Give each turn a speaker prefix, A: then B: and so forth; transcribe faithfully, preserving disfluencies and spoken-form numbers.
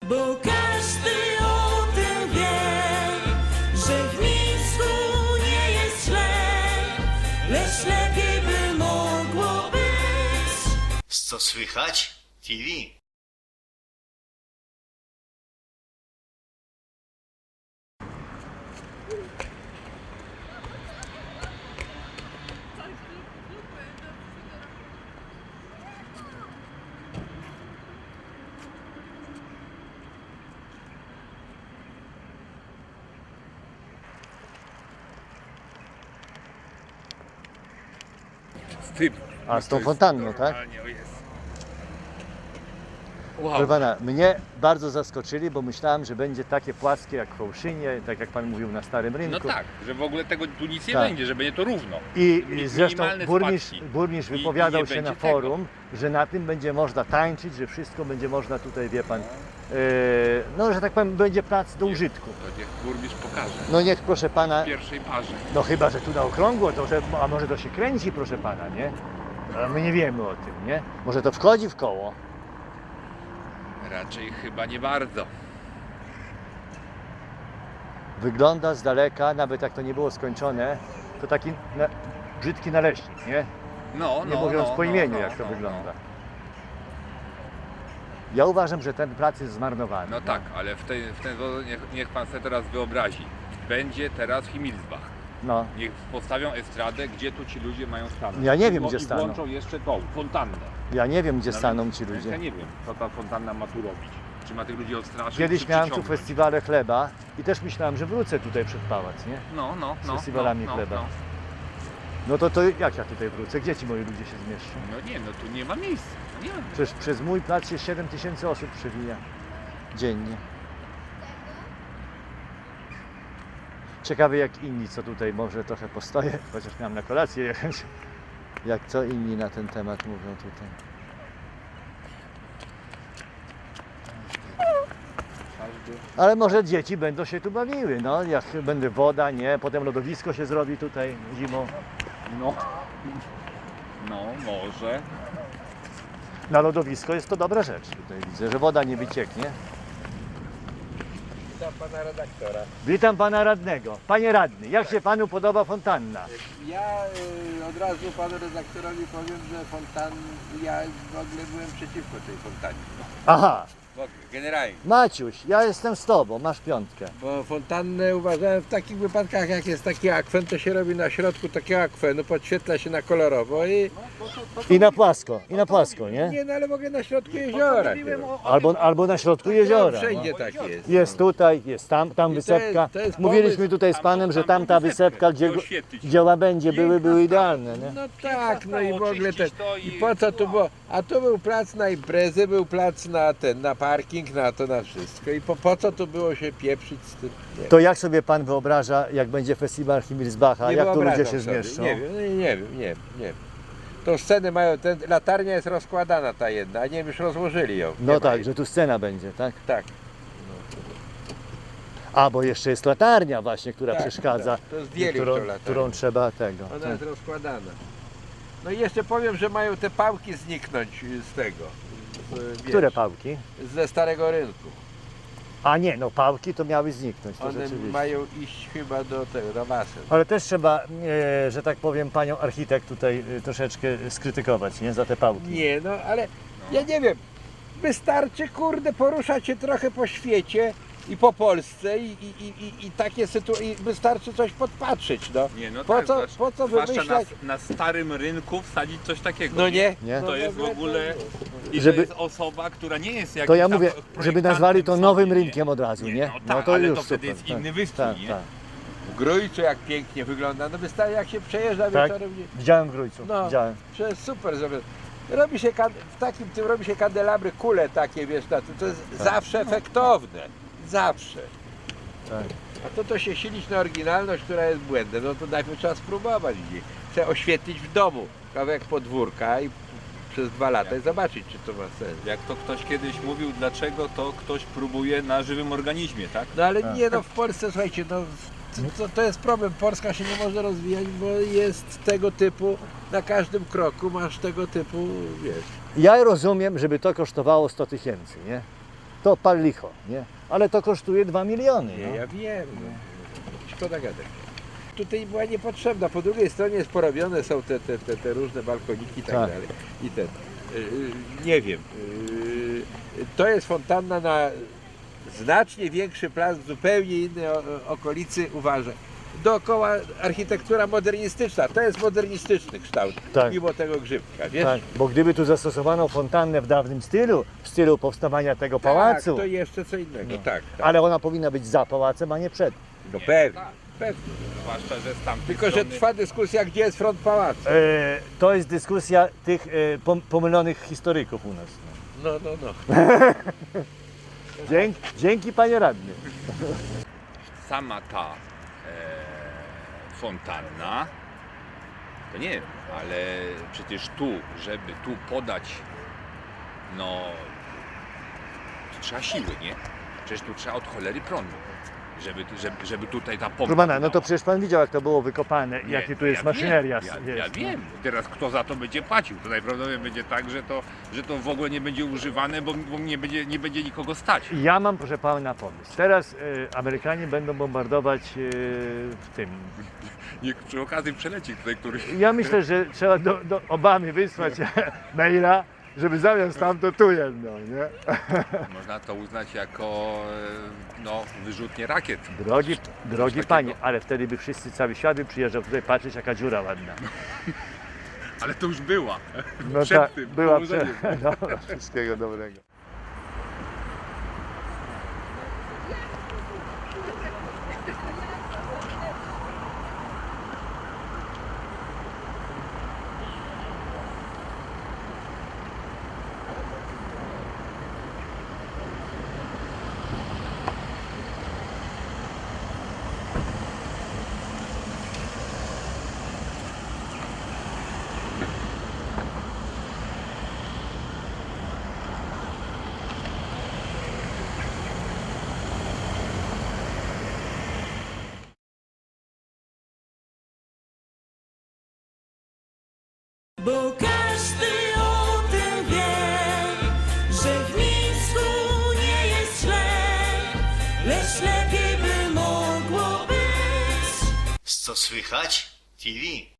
A: Bo każdy o tym wie, że w Mińsku nie jest źle, lecz lepiej by mogło być.
B: Co słychać? T V.
C: Z tym.
D: A, z tą
C: To jest
D: fontanną, tak?
C: normalnie, o jest. Wow.
D: Proszę pana, mnie bardzo zaskoczyli, bo myślałem, że będzie takie płaskie jak w Fałszynie, tak jak pan mówił na Starym Rynku.
C: No tak, że w ogóle tego tu nic nie
D: Tak.
C: będzie, że będzie to równo.
D: I
C: Mi-
D: zresztą
C: minimalne
D: burmistrz,
C: spadki.
D: burmistrz
C: I- i
D: wypowiadał
C: nie
D: się na
C: będzie tego.
D: forum, że na tym będzie można tańczyć, że wszystko będzie można tutaj, wie pan, e, no że tak powiem, będzie plac do użytku.
C: To niech burmistrz pokaże.
D: No niech, proszę pana,
C: W pierwszej parze.
D: no chyba, że tu na okrągło, to że, a może to się kręci, proszę pana, nie? A my nie wiemy o tym, nie? Może to wchodzi w koło.
C: Raczej chyba nie bardzo.
D: Wygląda z daleka, nawet jak to nie było skończone, to taki na, brzydki naleśnik, nie?
C: No, no,
D: Nie mówiąc
C: no,
D: po
C: no,
D: imieniu,
C: no,
D: jak to
C: no,
D: wygląda. Ja uważam, że ten plac jest zmarnowany.
C: No, no tak, ale w ten, w ten sposób niech, niech pan sobie teraz wyobrazi. Będzie teraz Himmelsbach.
D: No.
C: Niech postawią estradę, gdzie tu ci ludzie mają stanąć.
D: Ja nie wiem,
C: I
D: gdzie
C: i
D: staną.
C: włączą jeszcze tą fontannę.
D: Ja nie wiem, gdzie
C: No
D: staną
C: więc-
D: ci
C: więc
D: ludzie.
C: Ja nie wiem, co ta fontanna ma tu robić. Czy ma tych ludzi odstraszyć,
D: Kiedyś
C: czy
D: miałem tu
C: przyciągnąć?
D: festiwale chleba i też myślałem, że wrócę tutaj przed pałac, nie?
C: No, no,
D: Z
C: no.
D: festiwalami
C: no, no,
D: chleba.
C: No.
D: No to, to jak ja tutaj wrócę? Gdzie ci moi ludzie się zmieszczą?
C: no nie, no tu nie ma miejsca. Nie ma.
D: Przecież przez mój plac się siedem tysięcy osób przewija dziennie. Ciekawy jak inni, co tutaj może trochę postoję, chociaż miałem na kolację jechać. Jak co inni na ten temat mówią tutaj. Ale może dzieci będą się tu bawiły, no, jak będzie woda, nie, potem lodowisko się zrobi tutaj zimą.
C: No. No, może.
D: Na lodowisko jest to dobra rzecz, tutaj widzę, że woda nie wycieknie.
E: Witam pana redaktora.
D: Witam pana radnego. Panie radny, jak się panu podoba fontanna?
E: Ja y, od razu panu redaktorowi powiem, że fontan, ja w ogóle byłem przeciwko tej fontannie.
D: Aha,
E: W ogóle, generalnie.
D: Maciuś, ja jestem z tobą, masz piątkę.
E: Bo fontannę uważałem w takich wypadkach, jak jest taki akwen, to się robi na środku takiego akwenu, podświetla się na kolorowo i
D: I na płasko, i na płasko, nie?
E: nie, no ale mogę na środku jeziora.
D: Albo, albo na środku jeziora.
E: No, wszędzie
D: No.
E: tak jest.
D: Jest tutaj, jest tam, tam
E: I to
D: wysepka.
E: jest- to jest
D: Mówiliśmy
E: pomysł.
D: tutaj z panem, że tamta wysepka, gdzie,
C: oświetlić.
D: gdzie łabędzie były, były idealne, nie?
E: No tak, no i w ogóle ten.
C: Oczyścić to
E: I
C: i-
E: po co tu było? A tu był plac na imprezę, był plac na ten, na parking, na to, na wszystko. I po, po co tu było się pieprzyć z tym? Nie.
D: To jak sobie pan wyobraża, jak będzie festiwal Himmelsbacha,
E: Nie
D: jak tu ludzie
E: wyobrażam
D: się
E: sobie.
D: zmieszczą?
E: Nie wiem, nie, nie wiem, nie wiem, nie wiem. Tą scenę mają, ten, latarnia jest rozkładana ta jedna, a nie wiem, już rozłożyli ją. Nie
D: No
E: ma
D: tak,
E: jej.
D: że tu scena będzie, tak?
E: Tak.
D: A, bo jeszcze jest latarnia właśnie, która
E: Tak,
D: przeszkadza,
E: tak. To zdjęli
D: którą,
E: tą latarnię.
D: którą trzeba tego.
E: Ona
D: tak.
E: jest rozkładana. No i jeszcze powiem, że mają te pałki zniknąć z tego. Z,
D: Które
E: wiesz,
D: pałki?
E: Ze Starego Rynku.
D: A nie, no pałki to miały zniknąć, to
E: One
D: rzeczywiście.
E: mają iść chyba do tego, do basen.
D: Ale też trzeba, e, że tak powiem, panią architekt tutaj e, troszeczkę skrytykować, nie? Za te pałki.
E: Nie, no ale ja nie wiem. Wystarczy, kurde, poruszać się trochę po świecie i po Polsce i, i, i, i, i takie sytuacje, i wystarczy coś podpatrzeć, no.
C: Nie, no
E: Po
C: tak,
E: co-
C: zwłaszcza-
E: po co
C: zwłaszcza
E: wymyślać-
C: Na, na starym rynku wsadzić coś takiego.
E: No nie?
D: Nie?
E: No
C: To jest w ogóle... I
D: Żeby-
C: to jest osoba, która nie jest jakimś
D: To ja
C: tam
D: mówię,
C: projektantem
D: żeby nazwali to
C: sobie,
D: nowym
C: nie?
D: rynkiem od razu, nie?
C: No tak,
D: to
C: ale
D: już
C: to wtedy
D: super,
C: jest inny
D: tak,
C: wystrój,
D: tak,
C: nie?
D: tak.
E: W Grójcu jak pięknie wygląda, no wystarczy jak się przejeżdża
D: Tak?
E: wieczorem. nie-
D: Widziałem w Grójcu,
E: No.
D: widziałem.
E: To jest super zrobione. Robi się, kan- w takim tym robi się kandelabry, kule takie, wiesz, na tym, to jest zawsze efektowne. Zawsze.
D: Tak.
E: A to to się silić na oryginalność, która jest błędem, no to najpierw trzeba spróbować gdzieś. Chcę oświetlić w domu kawałek podwórka i przez dwa lata i zobaczyć, czy to ma sens.
C: Jak to ktoś kiedyś mówił, dlaczego to ktoś próbuje na żywym organizmie, tak?
E: No ale
D: Tak.
E: nie, no w Polsce, słuchajcie, no to, to, to jest problem. Polska się nie może rozwijać, bo jest tego typu, na każdym kroku masz tego typu, wiesz.
D: Ja rozumiem, żeby to kosztowało sto tysięcy, nie? to pal licho, nie? Ale to kosztuje dwa miliony.
E: Nie,
D: No.
E: ja wiem. No. Szkoda gadać. Tutaj była niepotrzebna. Po drugiej stronie jest porobione są te, te, te, te różne balkoniki i tak,
D: Tak.
E: dalej. I ten. Yy, nie wiem. Yy, to jest fontanna na znacznie większy plac, w zupełnie innej o- okolicy, uważaj. Dookoła architektura modernistyczna. To jest modernistyczny kształt.
D: Tak.
E: Mimo tego grzybka, wiesz?
D: Tak, bo gdyby tu zastosowano fontannę w dawnym stylu, w stylu powstawania tego pałacu,
E: Tak, to jeszcze co innego.
D: No.
E: Tak, tak.
D: ale ona powinna być za pałacem, a nie przed.
E: No pewnie, pewnie.
C: Zwłaszcza, że z tamtej
E: Tylko, że
C: strony...
E: trwa dyskusja, gdzie jest front pałacu.
D: E, to jest dyskusja tych e, pom- pomylonych historyków u nas.
E: No, no, no.
D: Dzięki, dzięki panie radny.
C: Sama ta e, fontanna, to nie wiem, ale przecież tu, żeby tu podać, no, to trzeba siły, nie? Przecież tu trzeba od cholery prądu, żeby, żeby, żeby tutaj ta pompa...
D: Proszę pana, no to
C: dała.
D: przecież pan widział, jak to było wykopane,
C: Nie,
D: jakie tu jest
C: ja
D: maszyneria.
C: Wiem, ja, ja
D: jest.
C: wiem. Teraz kto za to będzie płacił? To najprawdopodobniej będzie tak, że to, że to w ogóle nie będzie używane, bo, bo nie, będzie, nie będzie nikogo stać.
D: Ja mam, proszę pana, pomysł. Teraz e, Amerykanie będą bombardować e, w tym.
C: Niech przy okazji przeleci tutaj któryś...
D: Ja myślę, że trzeba do, do Obamy wysłać maila, żeby zamiast tam to tu jedno, nie?
C: Można to uznać jako e, no, wyrzutnie rakiet.
D: Drogi, drogi
C: takiego.
D: panie, ale wtedy by wszyscy, cały świat by przyjeżdżał tutaj patrzeć, jaka dziura ładna.
C: Ale to już była.
D: No
C: Przed
D: tak,
C: tym
D: była przed.
C: położeniem.
D: Dobra, wszystkiego dobrego.
A: Bo każdy o tym wie, że w Mińsku nie jest źle, lecz lepiej by mogło być.
B: Co słychać? T V.